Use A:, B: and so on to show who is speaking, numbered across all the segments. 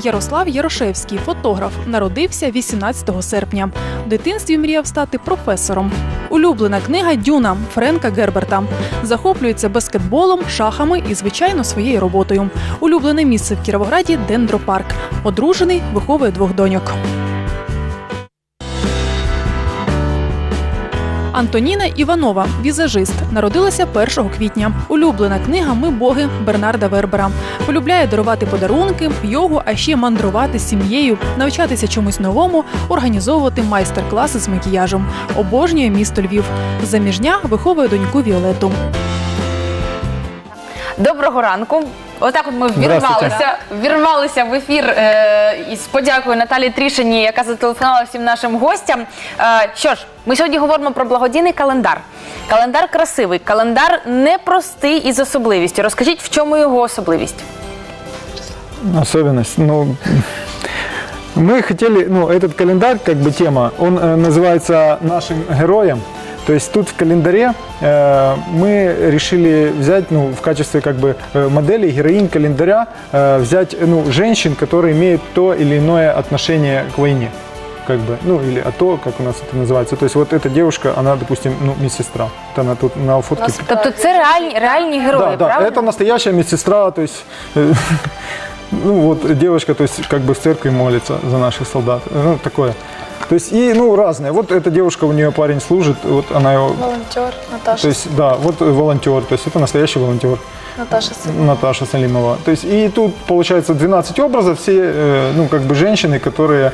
A: Ярослав Ярошевський, фотограф, народився 18 серпня. В дитинстві мріяв стати професором. Улюблена книга «Дюна» Френка Герберта. Захоплюється баскетболом, шахами і, звичайно, своєю роботою. Улюблене місце в Кіровограді – Дендропарк. Одружений, виховує 2 доньок. Антоніна Іванова – візажист. Народилася 1 квітня. Улюблена книга «Ми боги» Бернарда Вербера. Полюбляє дарувати подарунки, йогу, а ще мандрувати з сім'єю, навчатися чомусь новому, організовувати майстер-класи з макіяжем. Обожнює місто Львів. Заміжня, виховує доньку Віолетту.
B: Доброго ранку. Отак от ми вірвалися в ефір із подякою Наталії Трішиній, яка зателефонувала всім нашим гостям. Що ж, ми сьогодні говоримо про благодійний календар. Календар красивий, календар непростий і з особливістю. Розкажіть, в чому його особливість?
C: Особенность? Мы хотели, этот календарь, как бы тема, он называется «Нашим героям». То есть тут в календаре мы решили взять, в качестве как бы модели, героинь календаря, взять женщин, которые имеют то или иное отношение к войне. Как бы, или то, как у нас это называется. То есть вот эта девушка, она, допустим, медсестра. Вот она тут на фотке.
B: Тобто це реальні герої,
C: да,
B: правда?
C: Это настоящая медсестра, то есть... девушка, то есть, как бы в церкви молится за наших солдат. Такое. То есть, и, разные. Вот эта девушка, у нее парень служит, вот она его...
D: Волонтер, Наташа.
C: То есть, да, вот волонтер, то есть, это настоящий волонтер. Наташа Салимова. То есть, и тут, получается, 12 образов, все, как бы, женщины, которые,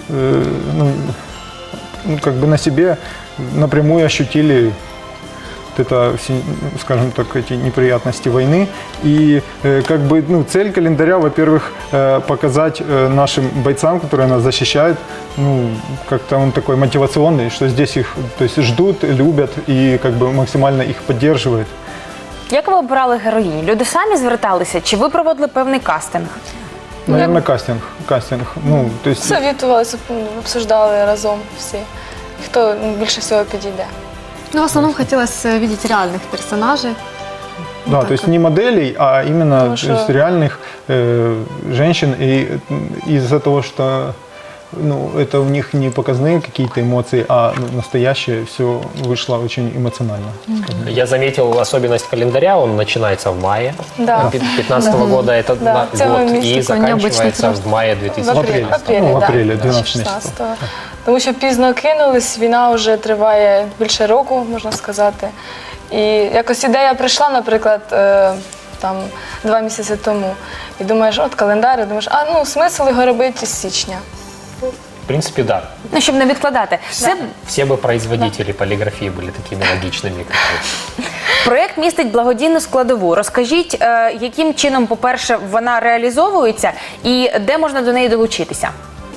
C: как бы на себе напрямую ощутили это, скажем так, эти неприятности войны. И как бы, цель календаря, во-первых, показать нашим бойцам, которые нас защищают, как-то он такой мотивационный, что здесь их, то есть, ждут, любят и как бы максимально их поддерживают.
B: Як ви обирали героїнь? Люди самі зверталися, чи ви проводили певний кастинг?
C: Наверное, кастинг. То есть...
D: Советувалися, обсуждали разом всі, хто більше всього підійде.
E: В основном хотелось видеть реальных персонажей.
C: Да, то есть не моделей, а именно то есть, реальных женщин. И из-за того, что это у них не показные какие-то эмоции, а настоящее все вышло очень эмоционально.
F: Я заметил особенность календаря, он начинается в мае 2015 года, это год, и заканчивается в мае 2016.
C: В апреле, 12 месяцев.
D: Тому що пізно кинулись, війна вже триває більше року, можна сказати. І якось ідея прийшла, наприклад, 2 місяці тому. І думаєш, от календар, і думаєш, смисл його робити з січня.
F: В принципе, да.
B: Щоб не відкладати.
F: Все бы производители полиграфии были такими логичными.
B: Проєкт містить благодійну складову. Розкажіть, яким чином, по-перше, вона реалізовується і де можна до неї долучитися?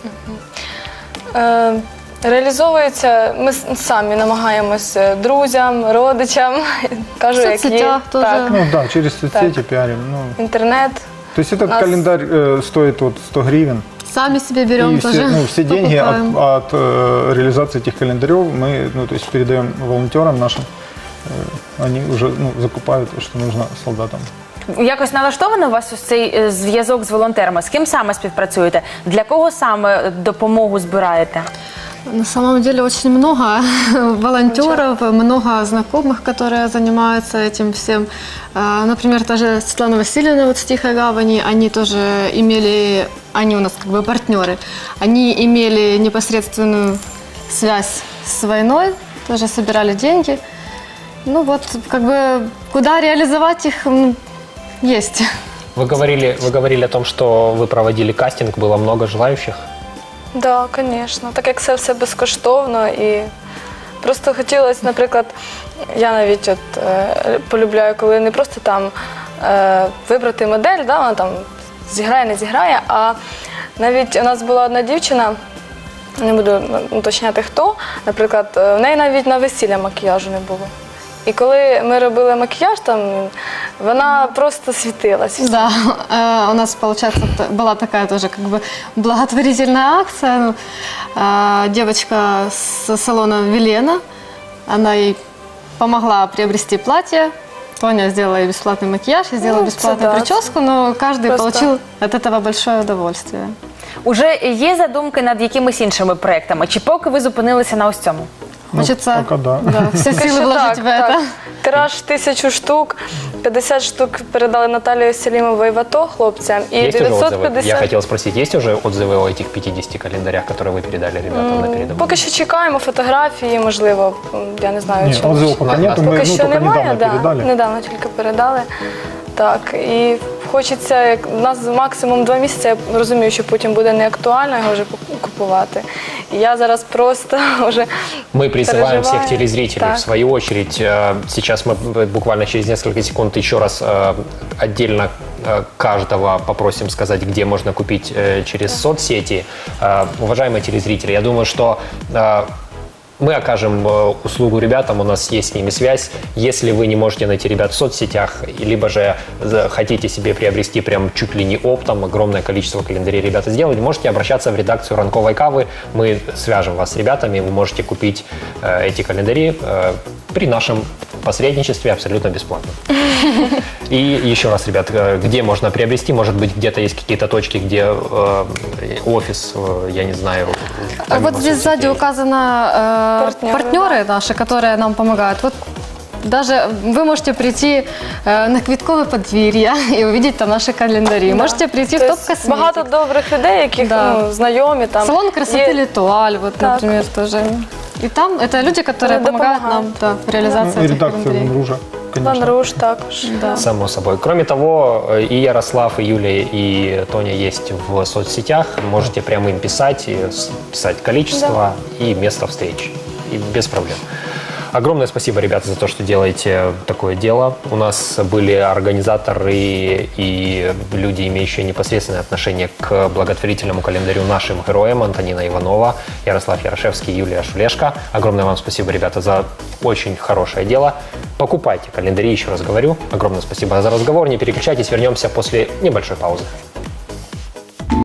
D: Реалізовується, ми самі намагаємося друзям, родичам, кажу, як є.
C: Да, через соцсети пиарим.
D: Інтернет.
C: То есть этот календарь стоит 100 гривен.
E: Сами себе берем
C: и
E: тоже.
C: Все деньги от реализации этих календарев мы то есть передаем волонтерам нашим. Они уже закупают, что нужно солдатам.
B: Якось налаштований у вас ось цей зв'язок з волонтерами? З ким саме співпрацюєте? Для кого саме допомогу збираєте?
E: На самом деле очень много волонтеров, много знакомых, которые занимаются этим всем. Например, та же Светлана Васильевна вот с Тихой Гавани, они тоже имели, они у нас как бы партнеры, они имели непосредственную связь с войной, тоже собирали деньги. Как бы, куда реализовать их, есть.
F: Вы говорили о том, что вы проводили кастинг, было много желающих?
D: Так, звісно. Так як це все безкоштовно і просто хотілося, наприклад, я навіть полюбляю, коли не просто там вибрати модель, вона там зіграє, не зіграє, а навіть у нас була одна дівчина, не буду уточняти хто, наприклад, в неї навіть на весілля макіяжу не було. І коли ми робили макіяж, вона просто світилась.
E: Да, у нас, получается, была такая тоже как бы благотворительная акция. Девочка с салона Велена, она ей помогла приобрести платье, Тоня сделала ей бесплатный макияж, я сделала бесплатную
D: да.
E: прическу, но каждый
D: Просто.
E: получил от этого большое удовольствие.
B: Уже є задумки над якимись іншими проектами? Чи поки ви зупинилися на ось цьому?
E: Хочется
C: пока да.
E: все
D: Поки
E: силы
D: що
E: вложить в это.
D: Тираж 1000 штук, 50 штук передали Наталії Селімовій в АТО хлопцям. І
F: Есть уже отзывы?
D: 950...
F: Я хотел спросить, есть уже отзывы о этих 50 календарях, которые вы передали ребятам на передовую?
D: Поки що чекаємо фотографії, можливо, я не знаю,
C: Нет,
D: чи
C: отзывов пока нету, мы
D: поки що
C: только
D: немає,
C: недавно передали.
D: недавно тільки передали. Так, і хочеться, як у нас максимум 2 місяці, я розумію, що потім буде не актуально його вже купувати. І я зараз просто вже
F: Мы призываем
D: переживаю.
F: всех телезрителей,
D: Так.
F: в свою очередь, сейчас мы буквально через несколько секунд еще раз отдельно каждого попросим сказать, где можно купить через соцсети. Уважаемые телезрители, я думаю, что мы окажем услугу ребятам, у нас есть с ними связь. Если вы не можете найти ребят в соцсетях, либо же хотите себе приобрести прям чуть ли не оптом огромное количество календарей ребята сделать, можете обращаться в редакцию «Ранковой кавы». Мы свяжем вас с ребятами, вы можете купить эти календари при нашем посредничестве абсолютно бесплатно. И еще раз, ребят, где можно приобрести? Может быть, где-то есть какие-то точки, где офис, я не знаю.
E: Вот здесь сзади указано партнеры наши, которые нам помогают. Вот даже вы можете прийти на Квіткове подвір'я и увидеть там наши календари. Можете прийти в
D: Тобто
E: топ-косметик.
D: багато добрих людей, яких знайомі. Там,
E: Салон красоты Литуаль, вот,
D: Так.
E: например, тоже. И там это люди, которые помогают нам в реализации
C: И
E: этих
C: редакция
E: календарей.
C: Ван Ружа,
D: Ван
C: конечно.
D: Руж також.
E: Да.
F: Само собой. Кроме того, и Ярослав, и Юлия, и Тоня есть в соцсетях. Можете прямо им писать, и писать количество и место встречи. И без проблем. Огромное спасибо, ребята, за то, что делаете такое дело. У нас были организаторы и люди, имеющие непосредственное отношение к благотворительному календарю нашим героям: Антонина Иванова, Ярослав Ярошевский, Юлия Шулешко. Огромное вам спасибо, ребята, за очень хорошее дело. Покупайте календари, еще раз говорю. Огромное спасибо за разговор. Не переключайтесь, вернемся после небольшой паузы.